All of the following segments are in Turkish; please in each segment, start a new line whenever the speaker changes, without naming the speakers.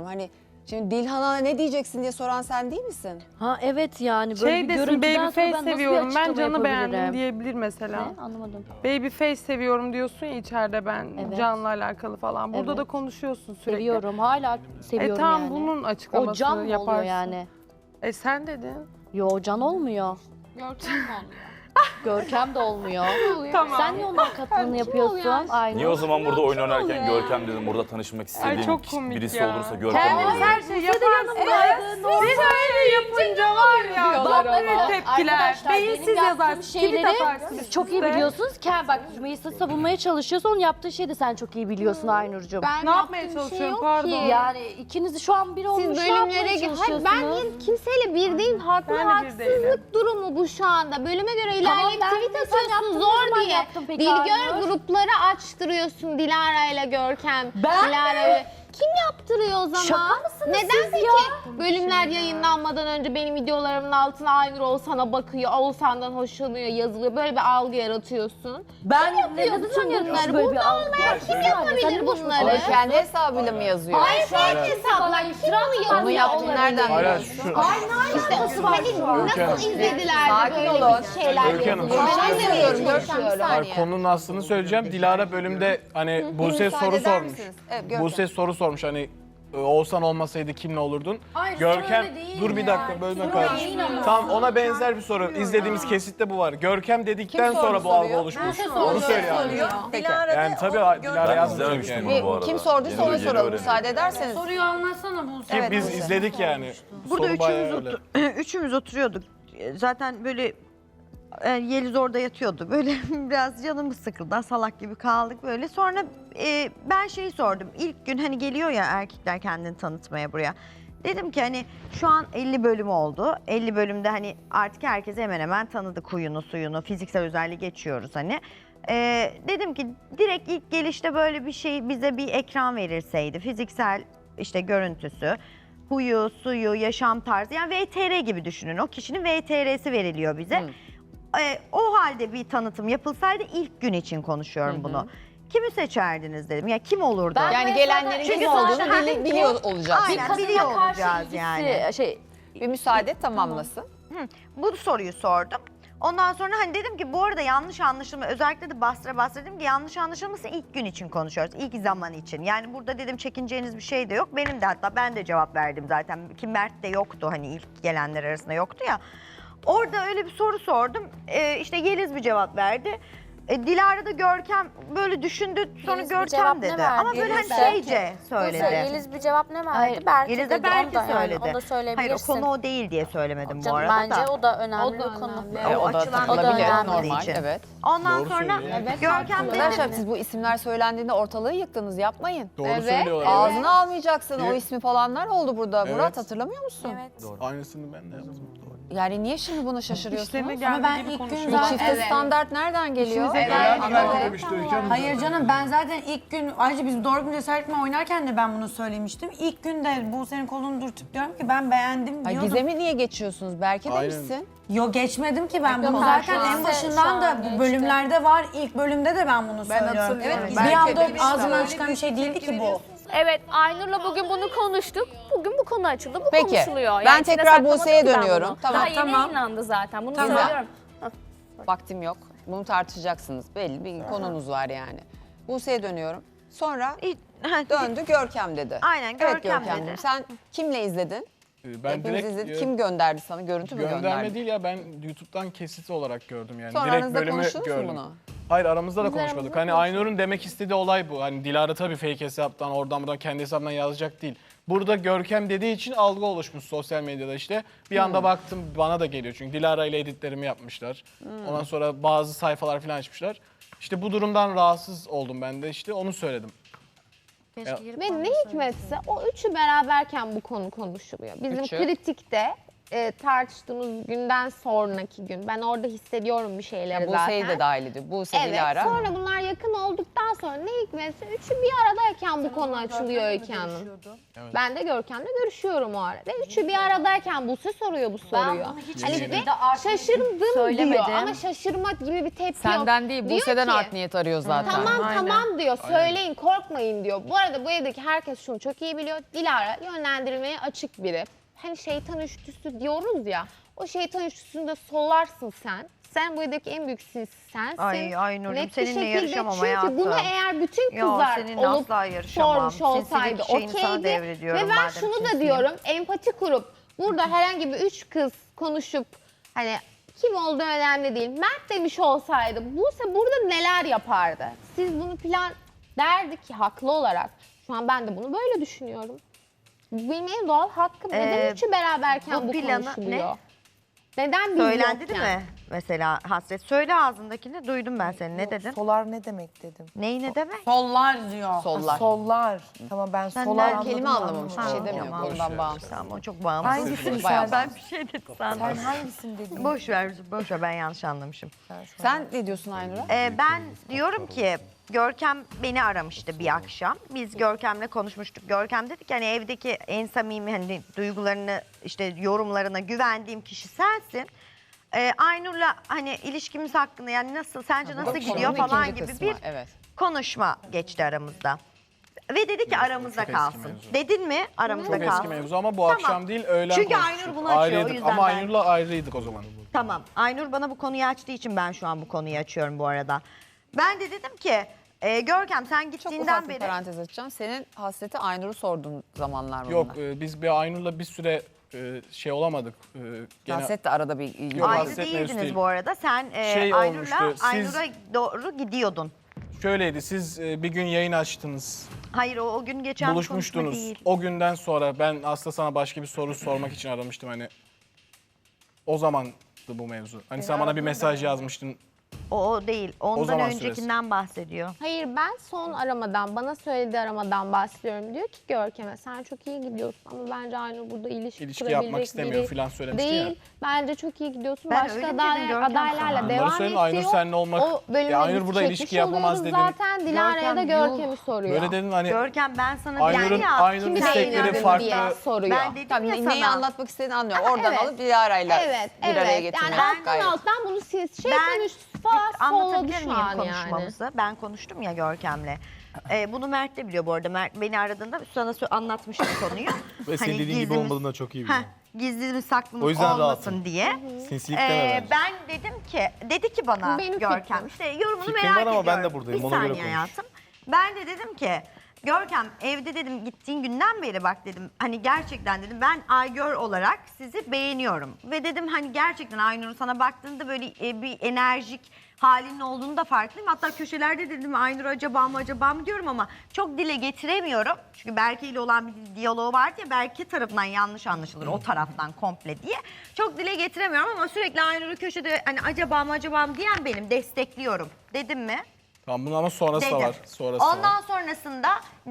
Hani şimdi Dilhan'a ne diyeceksin diye soran sen değil misin?
Ha evet yani böyle bir
Şey desin,
görüntüden sonra
Babyface
ben nasıl bir
seviyorum, ben
açıklama
Can'ı beğendim
yapabilirim?
diyebilir mesela.
Ne? Anlamadım.
Babyface seviyorum diyorsun ya içeride ben
Evet.
Can'la alakalı falan. Burada
Evet.
da konuşuyorsun sürekli.
Seviyorum, hala seviyorum
Tamam
yani.
bunun
O
açıklamasını
Can mı
yaparsın.
oluyor yani?
Sen dedin.
Yo Can olmuyor.
Görkem mi oluyor?
Görkem de olmuyor.
Tamam.
Sen niye onların katlığını yapıyorsun? Aynı.
Niye o zaman burada oyun oynarken Görkem dedim, burada tanışmak istediğim
çok komik
birisi
ya.
olursa Görkem
Kendiniz
olur.
her şeyi yaparsınız. Siz öyle yapınca var ya.
Bak
Böyle
ama
tepkiler.
arkadaşlar,
Beyinsiz
benim yaptığım
yazarsınız. Tweet
şeyleri
atarsınız.
siz çok iyi
işte.
biliyorsunuz ki bak Rümeysa'yı savunmaya çalışıyorsa onun yaptığı şeyi de sen çok iyi biliyorsun Aynur'cum.
Ne yapmaya çalışıyorum pardon.
Yani ikiniz şu an bir olmuş ne yapmaya çalışıyorsunuz?
Ben niye kimseyle bir değilim. Haklı
Ben de bir değilim.
haksızlık durumu bu şu anda. Bölüme göre
Tamam,
ilerleyip
ben
tweet
de sen
atıyorsun
yaptın, ne
zor
zaman
diye.
yaptın peki
Bilgör
Aynur?
grupları açtırıyorsun Dilara ile Görkem.
Ben
Dilara
mi?
ile. Kim yaptırıyor o zaman?
Şaka mısınız
Neden
siz
peki
ya?
bölümler yayınlanmadan önce benim videolarımın altına Aynur Oğuzhan'a bakıyor, Oğuzhan'dan hoşlanıyor, yazılıyor. Böyle bir algı yaratıyorsun.
Ben
yapıyor bütün bunları?
böyle bir
Burada
algı?
olmayan kim yapabilir bunları?
Ama kendi hesabıyla mı yazıyor?
Hayır, fake hesaplar. Kim bunu yapıyor?
Onu yaptığını nereden
Hala
biliyorsun?
şu
İşte nasıl izlediler de
Sakin
böyle
olun.
bir şeyler
Öykü Hanım,
yapılıyor?
Ben
Ben de
anlamıyorum,
öyle
Görkem, bir
çalışıyorum.
saniye.
konunun aslını söyleyeceğim. Dilara bölümde hani Buse
Müsaade
soru
eder
sormuş.
misiniz? Evet, Görkem.
Buse soru sormuş hani Oğuzhan olmasaydı kimle olurdun?
Hayır,
Görkem
öyle değil
dur bir
ya.
dakika bölme
Soru
kardeşim.
değil ama.
Tamam ona benzer bir soru. İzlediğimiz kesitte bu var. Görkem dedikten
Kim
sonra bu
soru
algı
soruyor?
oluşmuş.
Ben
Onu söyle yani.
soruyor.
Peki.
Yani tabii Dilara
Ben
yazmış
izlememiştim
yani.
bunu bu arada.
Kim sorduysa
Yeni-
ona
yeni
soralım
öğrendim.
müsaade ederseniz.
Soruyu anlatsana bu.
Evet,
Biz
Buse.
izledik yani.
Burada
Soru bayağı öyle.
üçümüz oturuyorduk. Zaten böyle Yeliz orada yatıyordu. Böyle biraz canımız sıkıldı. Salak gibi kaldık böyle. Sonra ben şeyi sordum. İlk gün hani geliyor ya erkekler kendini tanıtmaya buraya. Dedim ki hani şu an 50 bölüm oldu. 50 bölümde hani artık herkes hemen hemen tanıdık huyunu suyunu. Fiziksel özelliği geçiyoruz hani. Dedim ki direkt ilk gelişte böyle bir şey bize bir ekran verilseydi. Fiziksel işte görüntüsü, huyu, suyu, yaşam tarzı yani VTR gibi düşünün. O kişinin VTR'si veriliyor bize. O halde bir tanıtım yapılsaydı ilk gün için konuşuyorum bunu. Kimi seçerdiniz dedim. Ya kim olurdu?
Ben-
Yani
Çünkü
gelenlerin kim
zaten
olduğunu
hani
biliyor olacağız.
Aynen.
Kadına
biliyor
karşı
olacağız
ilgisi,
yani.
Bir müsaade tamamlasın.
Bu soruyu sordum. Ondan sonra hani dedim ki bu arada yanlış anlaşılma özellikle de bastıra dedim ki yanlış anlaşılması ilk gün için konuşuyoruz. İlk zaman için. Yani burada dedim çekineceğiniz bir şey de yok. Benim de hatta ben de cevap verdim zaten. Ki Mert de yoktu hani ilk gelenler arasında yoktu ya. Orada öyle bir soru sordum. İşte Yeliz bir cevap verdi. Dilara da Görkem böyle düşündü sonra
Yeliz bir cevap
Görkem
ne
dedi.
verdi?
Ama böyle
Yeliz
hani
de-
şeyce söyledi.
Yeliz bir cevap ne verdi?
Hayır,
Berke
Yeliz
dedi.
de Berke
onu da,
söyledi.
Yani, onu da
Hayır o
söyleyebilirsin.
konu o değil diye söylemedim bu
Canım,
arada
bence
da.
o da önemli
O da
bir konu.
önemli.
O
O da
açılan
olabilir,
önemli
normal.
için.
Evet.
Ondan
Doğru
sonra
söylüyor.
Görkem
Arkadaşlar
dedi.
siz bu isimler söylendiğinde ortalığı yıktınız, yapmayın.
Doğru söylüyorlar.
Ağzını almayacaksın, o
Evet.
ismi falanlar oldu burada.
Evet.
Murat hatırlamıyor musun?
Evet.
Aynısını ben de yaptım. Doğru.
Yani niye şimdi buna şaşırıyorsunuz?
İşlerine geldiği
ben
gibi
ilk gün
konuşuyorlar.
Bu çifte standart nereden geliyor?
Hayır canım ben zaten ilk gün ayrıca biz doğru gün cesaretle oynarken de ben bunu söylemiştim. İlk günde bu senin kolunu dürtüp diyorum ki ben beğendim
Ay,
diyordum.
Gizem'i niye geçiyorsunuz? Belki
Aynen.
demişsin.
Yo geçmedim ki ben bunu
Yok,
zaten
şu
en
an
başından da
geçti.
bu bölümlerde var. İlk bölümde de ben bunu söylüyorum.
hatırlıyorum. Evet,
bir
belki
anda
demiştim.
ağzımdan çıkan bir şey değildi ki bu.
Evet, Aynur'la bugün bunu konuştuk. Bugün bu konu açıldı, bu
Peki,
konuşuluyor.
ben
içinde
tekrar
saklamadım
Buse'ye
ki ben
dönüyorum.
bunu.
Tamam,
Daha yeni
tamam.
yayınlandı zaten, bunu
Tamam.
söylüyorum.
Vaktim yok. Bunu tartışacaksınız. Belli bir konunuz var yani. Buse'ye dönüyorum. Sonra döndü Görkem dedi.
Aynen,
Evet
Görkem
Görkem'cim,
dedi.
sen kimle izledin?
Ben
Hepimiz
direkt
izledik. Kim gönderdi sana? Görüntü mü
gönderme
gönderdi?
değil ya ben YouTube'dan kesit olarak gördüm yani.
Sonra
direkt
aranızda
bölümü
konuştunuz mu
gördüm.
bunu?
Hayır aramızda da
Biz
konuşmadık.
aramızda
Hani Aynur'un demek istediği olay bu. Hani Dilara tabii fake hesaptan oradan buradan kendi hesabından yazacak değil. Burada Görkem dediği için algı oluşmuş sosyal medyada işte. Bir anda baktım bana da geliyor çünkü Dilara ile editlerimi yapmışlar. Ondan sonra bazı sayfalar falan açmışlar. İşte bu durumdan rahatsız oldum ben de işte onu söyledim.
Ve ne hikmetse o üçü beraberken bu konu konuşuluyor. Bizim
Üçü.
kritikte tartıştığımız günden sonraki gün. Ben orada hissediyorum bir şeyleri
Ya
zaten.
Buse'yi de dahil ediyor. Buse,
Evet,
Dilara.
sonra bunlar yakın olduktan sonra ne hikmetse üçü bir aradayken bu konu açılıyor Öykü Hanım. Ben de Görkem'le görüşüyorum o arada. Üçü bir aradayken Buse soruyor bu soruyu. Hani ve şaşırdım diyor ama şaşırma gibi bir tepki yok.
Senden değil,
Diyor
Buse'den
ki,
art niyet arıyor zaten.
Tamam diyor. Söyleyin, korkmayın diyor. Bu arada bu evdeki herkes şunu çok iyi biliyor. Dilara yönlendirilmeye açık biri. Hani şeytan üçlüsü diyoruz ya. O şeytan üçlüsünde solarsın sen. Sen bu evdeki en büyük sinsi sensin.
Ay Nurcuğum,
Net bir
seninle
şekilde.
yarışamam
Çünkü
hayatım.
bunu eğer bütün
Yo,
kızlar
seninle
olup
asla yarışamam.
sormuş olsaydı
Sinsilik şeyini sana
okeydi.
devrediyorum
Ve ben
madem
şunu da
sinsiyim.
diyorum. Empati kurup burada herhangi bir üç kız konuşup hani kim olduğu önemli değil. Mert demiş olsaydı Buse burada neler yapardı? Siz bunu plan derdi ki haklı olarak. Şu an ben de bunu böyle düşünüyorum. Bu benim en doğal hakkım. Neden üçü beraberken bu
planı
konuşuluyor? Neden biz
Söylendi
yokken?
değil mi? Mesela Hasret söyle ağzındakini, duydum ben seni. Ne dedin?
Solar ne demek dedim.
Neyi ne demek?
Sollar diyor.
Sollar.
Sollar. Tamam ben
Sen
solar
de
anladım.
Kelime anlamamış, bir şey
Tamam,
demiyor.
tamam.
Konudan bağımsız.
Tamam, o çok bağımsız.
Hangisini
Bayağı
sen?
Bir şey dedim sandım.
Sen hangisini dedin?
Boş ver ben yanlış anlamışım.
Sen ne diyorsun Aynur'a?
Ben diyorum ki Görkem beni aramıştı bir akşam. Biz Görkem'le konuşmuştuk. Görkem dedi ki hani evdeki en samimi hani duygularını işte yorumlarına güvendiğim kişi sensin. Aynur'la hani ilişkimiz hakkında yani nasıl sence nasıl gidiyor
Konunun
falan
ikinci
gibi
kısmı,
bir
evet.
konuşma geçti aramızda. Ve dedi ki aramızda
çok eski
kalsın.
mevzu.
Dedin mi aramızda
Çok
kalsın?
eski mevzu ama bu
Tamam.
akşam değil öğlen
Çünkü
konuştuk.
Aynur bunu açıyor, o
Ayrıydık
yüzden
ama
ben-
Aynur'la ayrıydık o zaman.
Tamam. Aynur bana bu konuyu açtığı için ben şu an bu konuyu açıyorum bu arada. Ben de dedim ki Görkem sen
Çok
gittiğinden
ufak bir
beri
parantez açacağım. Senin hasreti Aynur'u sorduğun zamanlar mı
Yok
bunlar?
biz bir Aynur'la bir süre şey olamadık. Gene
Hasret de arada bir ilgi
Yok,
var.
ayrı
hasret mevzusu
değildiniz
değil.
bu arada. Sen
Şey
Aynur'la
olmuştu, siz-
Aynur'a doğru gidiyordun.
şöyleydi siz bir gün yayın açtınız.
Hayır o gün geçen bir konuşma
Buluşmuştunuz.
değil.
O günden sonra ben aslında sana başka bir soru sormak için aramıştım hani. O zamandı bu mevzu. Hani sen bana bir mesaj yazmıştın.
O değil. Ondan
zaman
öncekinden bahsediyor.
Hayır ben son aramadan, bana söylediği aramadan bahsediyorum. Diyor ki Görkem'e sen çok iyi gidiyorsun ama bence Aynur burada ilişki
İlişki yapmak
kurabilecek
istemiyor
biri
falan söylemişti
değil.
ya.
Bence çok iyi gidiyorsun.
Ben
Başka
öyle mi dedim Görkem
adaylarla
sana?
devam
Bunları söyledim, Aynur
ediyor.
seninle olmak-
O bölümü
Ya Aynur
biz
burada
çekmiş
ilişki yapamaz
oluyoruz
dedin.
Zaten Dilara'ya da
Görkem,
Görkem'i soruyor.
Böyle dedin hani
Görkem ben sana
Aynur'un
yani ya,
Aynur'un
kimi
istekleri
beğeniyordun
farklı.
diye soruyor.
ben dedim
Tamam,
ya
neyi
sana.
anlatmak istediğini anlıyorum. Oradan
Evet.
alıp Dilara'yla
Evet,
bir araya
evet.
getirmek.
Yani alttan
gayet.
alttan bunu siz şeytan
Ben
üstü falan solladı
anlatabilir
şu
miyim
an yani.
konuşmamızı? Ben konuştum ya Görkem'le. Bunu Mert de biliyor bu arada. Mert beni aradığında sana anlatmıştım konuyu.
Ve senin dediğin gibi
gizlimiz-
olmadığını da çok iyi biliyorum.
Gizlimiz saklımız
O yüzden
olmasın
rahatım.
diye.
Sinsilik deme bence.
Ben dedim ki, dedi ki bana
Benim
Görkem
fikrim.
işte yorumunu
Fikrin
merak
var ama
ediyorum.
ben de buradayım,
Bir
ona göre
saniye
konuş.
hayatım. Ben de dedim ki Görkem evde dedim gittiğin günden beri bak dedim hani gerçekten dedim ben Aygör olarak sizi beğeniyorum. Ve dedim hani gerçekten Aynur'un sana baktığında böyle bir enerjik halinin olduğunu da farklıyım. Hatta köşelerde dedim Aynur acaba mı diyorum ama çok dile getiremiyorum. Çünkü Berke ile olan bir diyaloğu vardı ya Berke tarafından yanlış anlaşılır o taraftan komple diye. Çok dile getiremiyorum ama sürekli Aynur'u köşede hani acaba mı diyen benim destekliyorum dedim mi?
Tamam bunun ama sonrası da
Dedim.
var. Sonrası
Ondan
var.
sonrasında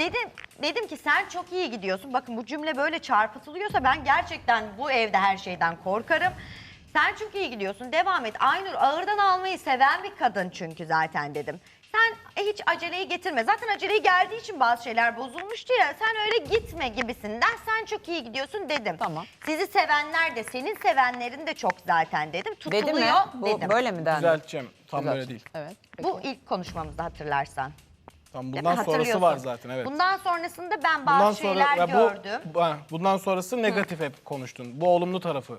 dedim ki sen çok iyi gidiyorsun. Bakın bu cümle böyle çarpıtılıyorsa ben gerçekten bu evde her şeyden korkarım. Sen çok iyi gidiyorsun. Devam et. Aynur ağırdan almayı seven bir kadın çünkü zaten dedim. Sen hiç aceleyi getirme. Zaten aceleyi geldiği için bazı şeyler bozulmuştu ya. Sen öyle gitme gibisinden. Sen çok iyi gidiyorsun dedim.
Tamam.
Sizi sevenler de senin sevenlerin de çok zaten dedim. Tutuluyor
Dedi mi? Bu
dedim.
böyle mi dendi?
Düzelteceğim. Tam
Güzel.
böyle değil.
Evet. Peki.
Bu ilk konuşmamızda hatırlarsan.
Tamam
Değil mi?
bundan sonrası
Hatırlıyorsun.
var zaten evet.
Bundan sonrasında ben
Bundan
bazı şeyler
ya
gördüm.
bundan sonrası negatif hep konuştun. Bu olumlu tarafı.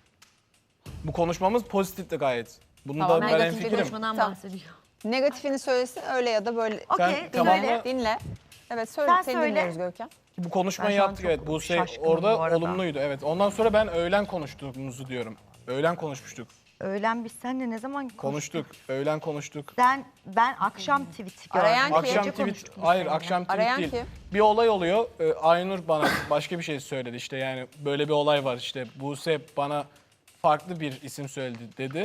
Bu konuşmamız pozitifti gayet. Bunu
Tamam,
da ben
negatif bir
hemfikirim.
Tamam. Negatifini söylesin öyle ya da böyle.
Okey,
Sen tamamla-
söyle.
Dinle. Evet söyle.
Sen
Seni
söyle.
dinliyoruz Görkem.
Bu konuşmayı
Ben şu an
yaptık
çok
evet. Bu şey
şaşkınım
orada
bu arada.
olumluydu evet. Ondan sonra ben öğlen konuştuğumuzu diyorum. Öğlen konuşmuştuk.
Öğlen biz seninle ne zaman
Konuştuk. Öğlen konuştuk.
Ben akşam tweet gördüm.
Arayan kim?
Akşam
Gece
tweet,
konuştuk biz
hayır
seninle.
akşam tweet
Arayan
değil.
kim?
Bir olay oluyor. Aynur bana başka bir şey söyledi işte yani böyle bir olay var işte. Buse bana farklı bir isim söyledi dedi.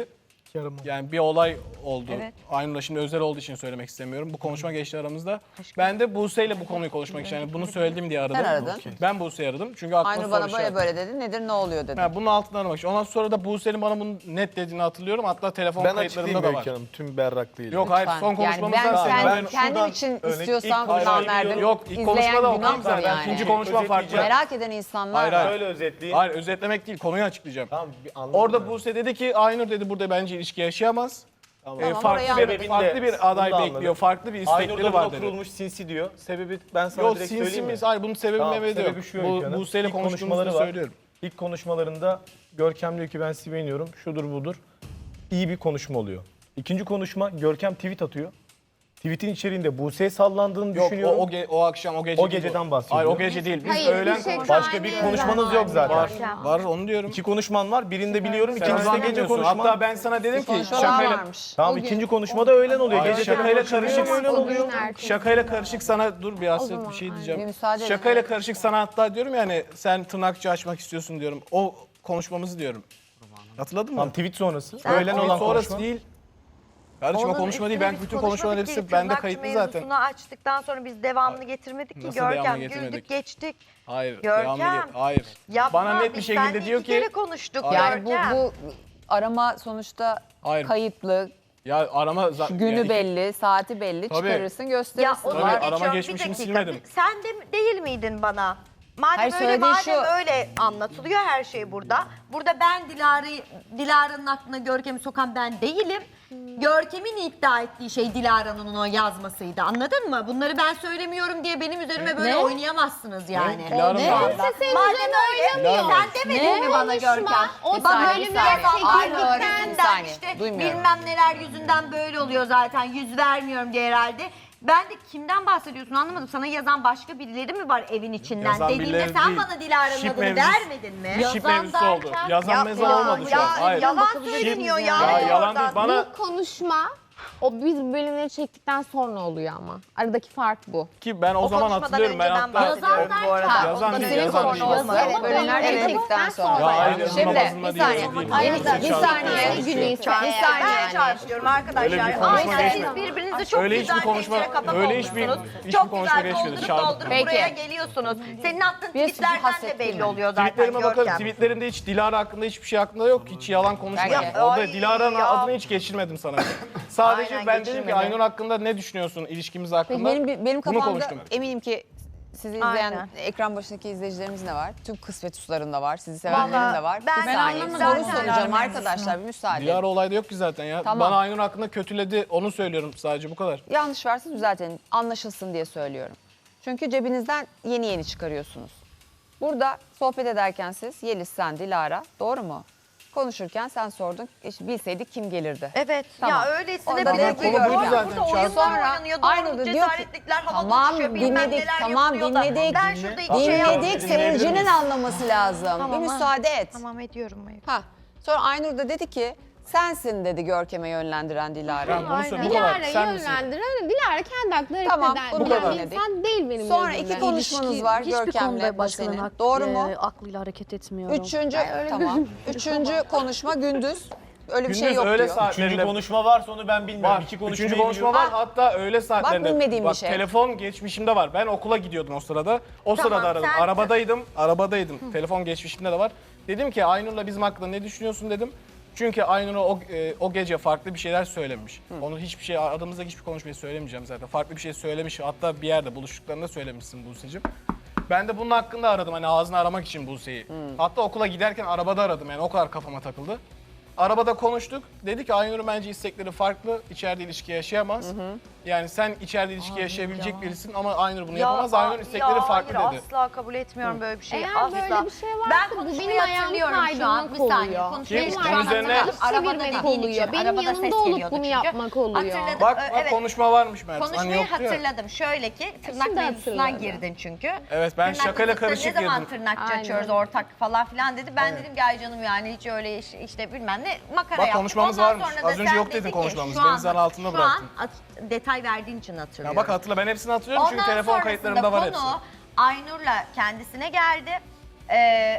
Yani bir olay oldu.
Evet.
Aynur'la şimdi özel olduğu için söylemek istemiyorum. Bu konuşma geçti aramızda. Ben de Buse ile bu konuyu konuşmak için yani bunu söyledim diye aradım.
Sen aradın.
Ben Buse'yi aradım. Çünkü aklıma
Aynur
soru
bana böyle
işareti.
böyle dedi. Nedir ne oluyor dedi.
Yani bunun altını aramak için. Ondan sonra da Buse'nin bana bunu net dediğini hatırlıyorum. Hatta telefon
Ben
kayıtlarımda
açıklayayım
da var.
Öykü Hanım tüm berraklığıyla.
Yok hayır
Lütfen.
son konuşmamızdan
yani ben,
sonra.
kendim, kendim için istiyorsam
Hayır,
bundan
hayır,
verdim.
Yok ilk
İzleyen
konuşmada
günah
okuyayım zaten.
yani.
İkinci konuşma farklı.
Merak eden insanlar
Hayır,
var.
hayır.
Şöyle özetleyeyim.
Hayır özetlemek değil konuyu açıklayacağım.
Tamam, anladım
Orada
ben.
Buse dedi ki Aynur dedi burada bence ilişki yaşayamaz.
Tamam.
Tamam,
farklı
orayı
bir,
anladım.
farklı bir aday
Bunu da
bekliyor.
anladım.
Farklı bir
Aynur'da
istekleri
buna
var dedi.
kurulmuş sinsi diyor. Sebebi ben sana
Yok
direkt söyleyeyim mi?
sinsimiz. Hayır bunun sebebi
Tamam,
Mehmet'e yok.
sebebi şu Öykü Hanım.
Buse ile
İlk
konuştuğumuzda
konuşmaları var.
söylüyorum.
İlk konuşmalarında Görkem diyor ki ben sizi beğeniyorum. Şudur budur. İyi bir konuşma oluyor. İkinci konuşma Görkem tweet atıyor. Tweet'in içeriğinde Buse'ye sallandığını
Yok
düşünüyorum.
o akşam o gece
O
değil
geceden
bu.
bahsediyor.
Hayır o gece değil. Biz
Hayır,
öğlen
bir şey
konuştuk.
Başka bir konuşmanız yok zaten.
Var onu diyorum.
İki konuşman var. Birinde biliyorum,
Sen
ikincisinde gece
zannediyorsun.
konuşman.
Hatta ben sana dedim ki
Konuşmalar
şakayla
varmış.
Tamam ikinci konuşmada öğlen oluyor.
Hayır,
Gece
şakayla
tekrar
karışık
öğlen
O gün
oluyor.
ertesi.
Şakayla karışık sana dur bir hasret bir şey
Bir
diyeceğim.
müsaade edin.
Şakayla karışık sana hatta diyorum yani sen tırnakçı açmak istiyorsun diyorum. O konuşmamızı diyorum. Hatırladın mı?
Tamam tweet sonrası.
Öğlen
Onun
olan sonrası
konuşma.
değil. Kardeşim o konuşma değil. Ben bütün konuşmaların hepsi bende kayıtlı zaten.
Mevzusunu açtıktan sonra biz devamını getirmedik ki
Nasıl devamını
Görkem.
getirmedik?
Güldük geçtik.
Hayır.
Görkem.
Hayır.
Yapma,
Bana net bir
biz
şekilde
seninle
diyor
iki kere
ki
konuştuk
Yani
Görkem.
bu arama sonuçta
Hayır.
kayıtlı,
Ya arama
günü
yani
belli, saati belli.
Tabii.
Çıkarırsın,
Ya
gösterirsin.
onu
Tabii,
da
arama
geçiyorum. Bir
geçmişini
dakika.
silmedim.
Sen de değil miydin bana? Madem
Hayır,
öyle,
söylediğin
madem
şu.
öyle anlatılıyor her şey burada. Burada ben Dilara'nın aklına Görkem'i sokan ben değilim. Görkem'in iddia ettiği şey Dilara'nın ona yazmasıydı. Anladın mı? Bunları ben söylemiyorum diye benim üzerime böyle oynayamazsınız yani.
Dilara mı?
Madem öyle
Dilara mı?
sen demedin mi bana Görkem?
O
Bir saniye,
Bölümü
bir saniye. Aynı
çekildikten
bir
de
saniye.
işte
Duymuyorum.
bilmem neler yüzünden böyle oluyor zaten. Yüz vermiyorum diye herhalde. Ben de kimden bahsediyorsun anlamadım. Sana yazan başka birileri mi var evin içinden?
Yazan
Dediğinde
birileri
sen
değil.
bana Dilara'nın
Şip
adını
mevzusu.
vermedin mi?
Şip mevzusu oldu. Yazan mezar olmadı şu an. Hayır.
Yalan söyleniyor ya.
Ya yalan değil.
Oradan.
Bana
Bu konuşma o biz bölümleri çektikten sonra oluyor ama. Aradaki fark bu.
ki ben o
O
zaman
konuşmadan
hatırlıyorum. Ben
önceden
hatta
bahsediyorum bu arada.
Yazan
O da
değil,
senin
yazan
sorun
değil.
olmaz.
Evet, bölümler
Evet.
çekildikten sonra.
Ya hayır,
Şimdi
namazında
bir saniye.
değil, değil.
Hayır,
Değil.
bir saniye.
Bir gün ise
Bir saniye
Ben
yani.
çarpışıyorum arkadaşlar.
Öyle bir konuşma
Aynen siz
geçmedi.
birbirinizi çok
Öyle
güzel
hiçbir konuşma-
tencere kapak
öyle hiçbir-
olmuşsunuz.
hiçbir
Çok
konuşma
güzel
geçmedi.
doldurup
Şahit.
doldurup
Peki.
buraya geliyorsunuz. Senin attığın
Bir
tweetlerden de
hasrettim
belli
ben.
oluyor zaten
Tweetlerime bakalım.
Görkem.
Tweetlerinde hiç Dilara hakkında hiçbir şey hakkında yok. Hiç yalan konuşmadım.
Peki.
Orada
Ay,
Dilara'nın
ya.
adını hiç geçirmedim sana. Sadece
Aynen,
ben dedim ki
geçirmedin.
Aynur hakkında ne düşünüyorsun ilişkimiz
Peki
hakkında?
benim
Bunu
kafamda
konuştum.
eminim ki sizi izleyen
Aynen.
ekran başındaki izleyicilerimiz de var. Tüm kısmet uslarında var. Sizi sevenlerin de var.
ben
Bir saniye
anlamadım.
soru
Zaten
soracağım
Dilara
arkadaşlar. Bir müsaade.
Dilara olayda yok ki zaten ya.
Tamam.
Bana Aynur hakkında kötüledi onu söylüyorum sadece bu kadar.
Yanlış varsa düzeltin. Anlaşılsın diye söylüyorum. Çünkü cebinizden yeni yeni çıkarıyorsunuz. Burada sohbet ederken siz Yeliz, sen, Dilara, doğru mu? Konuşurken sen sordun. Bilseydik kim gelirdi?
Evet
Tamam.
ya öylesine
Orada
bir
da konu buydu
zaten.
Burada oyunlar
Sonra
oynanıyor.
Aynur da
Doğruluk
diyor ki,
cesaretlikler havada
tamam
uçuşuyor. Bilmem
dinledik,
neler
tamam
yapılıyor da.
dinledik.
Ben şurada iki şey
Dinledik, seyircinin anlaması lazım.
Tamam,
bir
ha.
müsaade et.
Tamam ediyorum.
Ha. Sonra Aynur da dedi ki sensin dedi Görkem'e yönlendiren Dilara.
Ben bunu söylüyorum. Bu kadar.
Dilara'yı
Sen misin?
yönlendiren, Dilara kendi hakları
Tamam,
hareket
bunu
eden
da
bir
dinledik.
insan değil benim
Sonra
gözümde.
iki konuşmanız var
Hiçbir
Görkem'le
konuda başkalarının
Buse'nin. Doğru mu?
aklıyla hareket etmiyorum.
Üçüncü, tamam. Üçüncü konuşma gündüz. Öyle bir şey
Gündüz
yok
öyle
diyor.
Üçüncü
saatlerinde
konuşma varsa onu ben bilmiyorum.
var.
İki konuşmayı
Üçüncü konuşma
biliyorum.
var. Hatta öyle saatlerinde.
bilmediğim bir şey.
Telefon geçmişimde var. Ben okula gidiyordum o sırada. O
Tamam,
sırada aradım.
sen-
Arabadaydım. Telefon geçmişimde de var. Dedim ki Aynur'la bizim hakkında ne düşünüyorsun dedim. Çünkü Aynur'a o gece farklı bir şeyler söylemiş. Onu hiçbir şey, aramızdaki hiçbir konuşmayı söylemeyeceğim zaten. Farklı bir şey söylemiş. Hatta bir yerde buluştuklarında söylemişsin Buse'cim. Ben de bunun hakkında aradım hani ağzını aramak için Buse'yi. Hatta okula giderken arabada aradım yani o kadar kafama takıldı. Arabada konuştuk. Dedi ki Aynur'un bence istekleri farklı. İçeride ilişki yaşayamaz. Yani sen içeride ilişki yaşayabilecek birisin ama Aynur bunu yapamaz. Aynur'un istekleri farklı
hayır,
dedi.
asla kabul etmiyorum böyle bir şeyi.
Eğer
asla.
böyle bir şey varsa
ben
bu
konuşmayı
benim ayağım
hatırlıyorum şu an.
kaydırmak
Bir saniye.
oluyor.
Konuşmayı
Benim
Kim?
şu an
Bunun üzerine-
hatırladım. Arabada
çevirmek
dediğin
oluyor.
için.
Benim
Arabada
yanımda
ses
olup
geliyordu
bunu
çünkü.
yapmak oluyor.
Hatırladım.
Bak
Evet.
konuşma varmış Mert. Hani
Konuşmayı
yoktu ya.
hatırladım. Şöyle ki tırnak
Şimdi
mevzusuna
hatırladım.
girdin çünkü.
Evet, ben
Tırnak
şakayla
mevzusunda
karışık
Ne zaman
girdim.
tırnakçı
Aynen.
açıyoruz ortak falan filan dedi. Ben dedim ki ay canım yani hiç öyle işte bilmem ne makara
Bak,
yaptık.
konuşmamız
Ondan
varmış.
sonra da
Az önce
sen
yok
dedin
dedin
ki,
konuşmamız.
şu
Beni
an-
zan altında
şu
bıraktın.
an detay verdiğin için hatırlıyorum.
Ya bak hatırla ben hepsini hatırlıyorum çünkü
Ondan
telefon
sonrasında
kayıtlarımda var hepsi.
konu Aynur'la kendisine geldi.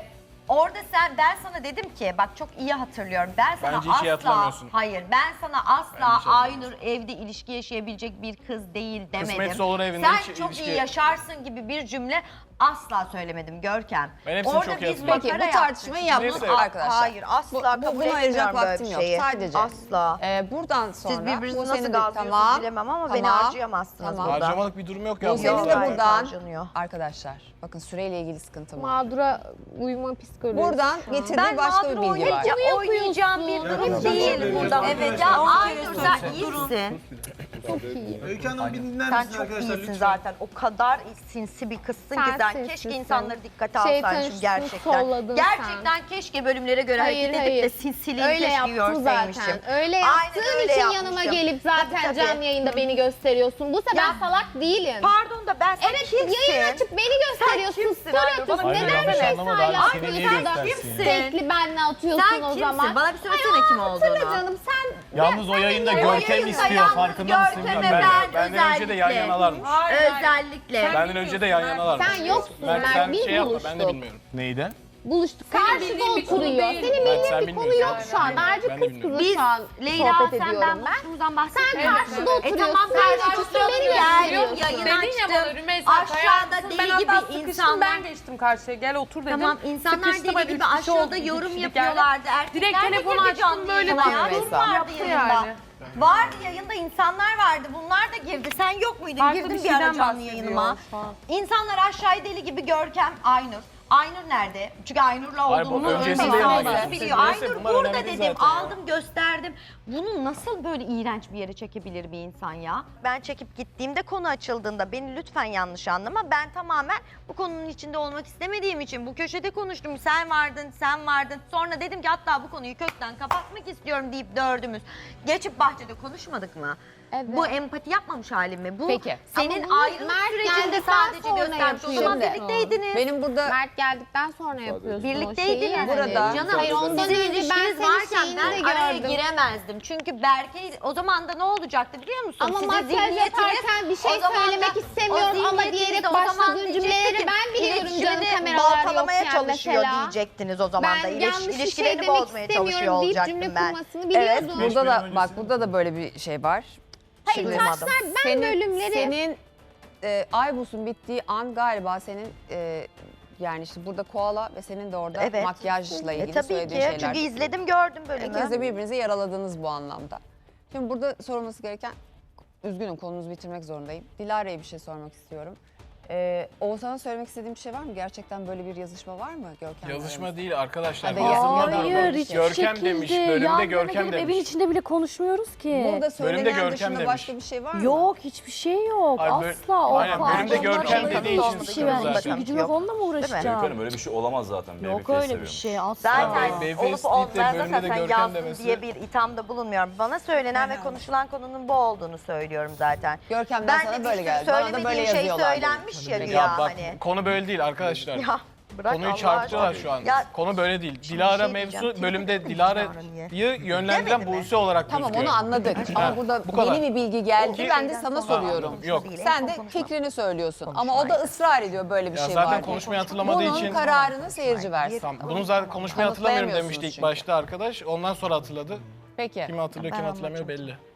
Orada ben sana dedim ki bak çok iyi hatırlıyorum. Ben sana
Bence hiç iyi hatırlamıyorsun.
hayır ben sana
Bence hiç
asla Aynur evde ilişki yaşayabilecek bir kız değil demedim.
Kısmetse olur evinde
Sen
hiç
çok
ilişki-
iyi yaşarsın gibi bir cümle asla söylemedim Görkem.
Ben hepsini
Orada
çok iyi
biz
hatırlıyorum.
Peki
makara
bu tartışmayı yaptık
Neyse.
arkadaşlar.
Hayır asla
Bu-
kabul
buna ayıracak
etmiyorum böyle
vaktim
bir
yok.
şeyi.
Sadece.
Asla.
Buradan sonra
Siz birbirinizi
bu
nasıl
senin de-
gazlıyorsunuz bilemem ama beni harcayamazsınız burada.
Harcamalık bir durum yok ya.
Bu senin
Yok,
de
gayet
buradan
harcanıyor.
arkadaşlar bakın süreyle ilgili sıkıntım var.
Mağdura uyuma psikolojisi.
Buradan
şu an.
getirdiği başka bir bilgi var.
Oynayacağım bir durum değil burada. Evet ya Aynur sen iyisin.
Öykü Hanım bir dinler
Sen
misiniz
çok
arkadaşlar
iyisin
lütfen?
zaten. O kadar sinsi bir kızsın ki
Sen
sen.
sinsisin.
Keşke insanları dikkate
Şeytan
alsaydın
üstünü
gerçekten.
solladın
Gerçekten keşke bölümlere göre
Hayır,
hareket edip de
hayır.
sinsiliğini
Öyle
keşke
yaptın
görseymişim.
zaten. Öyle
Aynen
yaptığın
öyle
için
yapmışım.
yanıma gelip zaten
Tabii,
canlı yayında beni gösteriyorsun. Bu sefer
Ya,
salak değilim.
Pardon da ben sen
Evet
kimsin?
yayın açıp beni gösteriyorsun.
kimsin
Story
Aynur? Bana
atıyorsun.
Hayır,
Neden
yanlış
bir şey
anlama da
sayla
seni niye
atıyorsun da
göstersin?
sürekli benle atıyorsun
Sen
o
kimsin?
zaman.
Bana bir söylesene
Ay,
kim
hatırla
olduğunu.
canım sen.
Yalnız o yayında
o
Görkem
yayında
istiyor.
yalnız
Farkında mısın?
Görkem'e
bilmiyorum.
ben
Benden önce de yan
özellikle-
yanalarmış.
Özellikle.
Benden önce de yan yanalarmış.
Sen yoksun.
Mert
Mert,
sen
biz
şey yapma
buluştuk.
ben de bilmiyorum. Neydi?
Buluştuk. Karşıda oturuyor. Senin
Mert, sen
bildiğin bir konu
bilmiyorsun.
yok şu an. Sadece
Ben de
kız
bilmiyorum.
kızı
Biz
şu an
Leyla
sohbet
sen
ediyorum
ben
ben.
buluştuğumuzdan bahsetmiyorum.
karşıda oturuyorsun.
Tamam
Sen
karşıda
beni
geliyorum.
gösteriyorsun.
Yayın
Dedin ya bana
açtım.
Rümeysa
Aşağıda
ben
deli
hatta
gibi
sıkıştım,
insanlar.
ben geçtim karşıya gel otur dedim.
Tamam insanlar
Sıkıştım,
deli
hadi
gibi
üç kişi
aşağıda
oldu, iki
yorum
kişilik
yapıyorlardı.
yani.
Erkekler
Direkt
de
telefonu
girdi
açtım,
canlı
böyle
yayına.
Tamam,
Ya,
Rümeysa.
Dur vardı
Yaptı
yayında.
yani.
Vardı yayında insanlar vardı. Bunlar da girdi. Sen yok muydun?
Farklı
Girdin
bir
bir ara
şeyden
canlı
bahsediyor
yayınıma.
şu an.
İnsanlar aşağıya deli gibi Görkem, Aynur. Aynur nerede? Çünkü Aynur'la
Hayır, bu
olduğumu
öncesinde
insanlar
yani.
biliyor.
Neyse,
Aynur
bunlar
burada
önemli değil
dedim,
zaten ya.
aldım gösterdim. Bunu nasıl böyle iğrenç bir yere çekebilir bir insan ya? Ben çekip gittiğimde konu açıldığında beni lütfen yanlış anlama. Ben tamamen bu konunun içinde olmak istemediğim için bu köşede konuştum. Sen vardın. Sonra dedim ki hatta bu konuyu kökten kapatmak istiyorum deyip dördümüz geçip bahçede konuşmadık mı?
Evet.
Bu empati yapmamış halim mi? Bu
Peki.
senin
Ama bunu
ayrılık
Mert
sürecinde
geldikten
sadece
sonra
göstermiş. O zaman
yapıyorsun.
birlikteydiniz.
Benim burada
Mert geldikten sonra yapıyorsun
Birlikteydiniz.
o şeyi. yani.
Burada-
Canım
Hayır ondan
sizin
önce ben
ilişkiniz
senin
varken
şeyini
ben
de
araya
gördüm.
giremezdim. Çünkü Berke o zaman da ne olacaktı biliyor musun?
Ama
Sizin
makyaj
zihniyetiniz
yaparken bir şey
o zaman da-
söylemek istemiyorum
o
ama
zihniyetiniz
diyerek
o zaman
başladığın
diyecekti
cümleleri
ki,
ben biliyorum canım
iletişimini
kameralar
baltalamaya
yokken
çalışıyor
mesela.
diyecektiniz o zaman da.
Ben yanlış bir şey
İlişkilerini
demek
bozmaya çalışıyor
istemiyorum deyip
olacaktım
cümle
ben.
kurmasını
Evet.
biliyordum.
burada da bak burada da böyle bir şey var.
Hayır,
Şimdi
taşlar
ben bölümleri-
Senin Aybus'un bittiği an galiba senin yani işte burada koala ve senin de orada
Evet.
makyajla ilgili
Tabii
söylediğin
ki.
şeyler.
Çünkü izledim gördüm bölümü.
İkiniz de birbirinizi yaraladınız bu anlamda. Şimdi burada sorulması gereken, üzgünüm konunuzu bitirmek zorundayım. Dilara'ya bir şey sormak istiyorum. Oğuzhan'a söylemek istediğim bir şey var mı? Gerçekten böyle bir yazışma var mı Görkem'le
Yazışma
aranızda?
değil arkadaşlar.
Hadi
Yazılma
yazılma
durumu.
Hayır hiçbir
Görkem
şekilde.
demiş,
Yan
bölümde
yana
Görkem
gelip Evin
demiş.
içinde bile konuşmuyoruz ki.
Burada söylenen
Görkem
dışında
demiş.
başka bir şey var mı?
Yok hiçbir şey yok.
Hayır,
Asla. O
aynen, bölümde Görkem dediği için
bir şey
sıkıntı
vermiş.
zaten.
Gücüm yok onunla mı uğraşacağım?
Öykü öyle bir şey olamaz zaten.
Yok
Babyface
öyle bir
seviyormuş.
şey asla.
Zaten
Beyface
olup
deyip de
olmayan
bölümde
zaten
de
sen
Görkem
yazdın
demesi-
diye bir ithamda bulunmuyorum. Bana söylenen ve konuşulan konunun bu olduğunu söylüyorum zaten.
Görkem'den sana
de
böyle
bir
geldi. Bana da böyle
söylemediğim şey
yazıyorlar.
söylenmiş ya
Ya
güya
bak
hani.
konu böyle değil arkadaşlar.
Ya bırak
Konuyu
Allah
çarpıtıyorlar
aşkına.
şu an.
Ya,
Konu böyle değil.
Şimdi
Dilara
şey
mevzu
diyeceğim,
bölümde
Dilara
Dilara'yı yönlendiren
Demedi mi?
Buse olarak
Tamam
gözüküyor.
onu anladık ama burada
bu kadar.
yeni bir bilgi geldi.
Ki-
Ben de sana soruyorum.
Yok.
Sen de fikrini söylüyorsun ama o da ısrar ediyor böyle bir
Ya
şey
zaten
var diye.
konuşmayı hatırlamadığı
Bunun
için...
kararını seyirci versin.
Tamam. Bunun zaten konuşmayı hatırlamıyorum demişti ilk
çünkü.
başta arkadaş. Ondan sonra hatırladı.
Peki.
Kimi hatırlıyor, kim hatırlamıyor belli.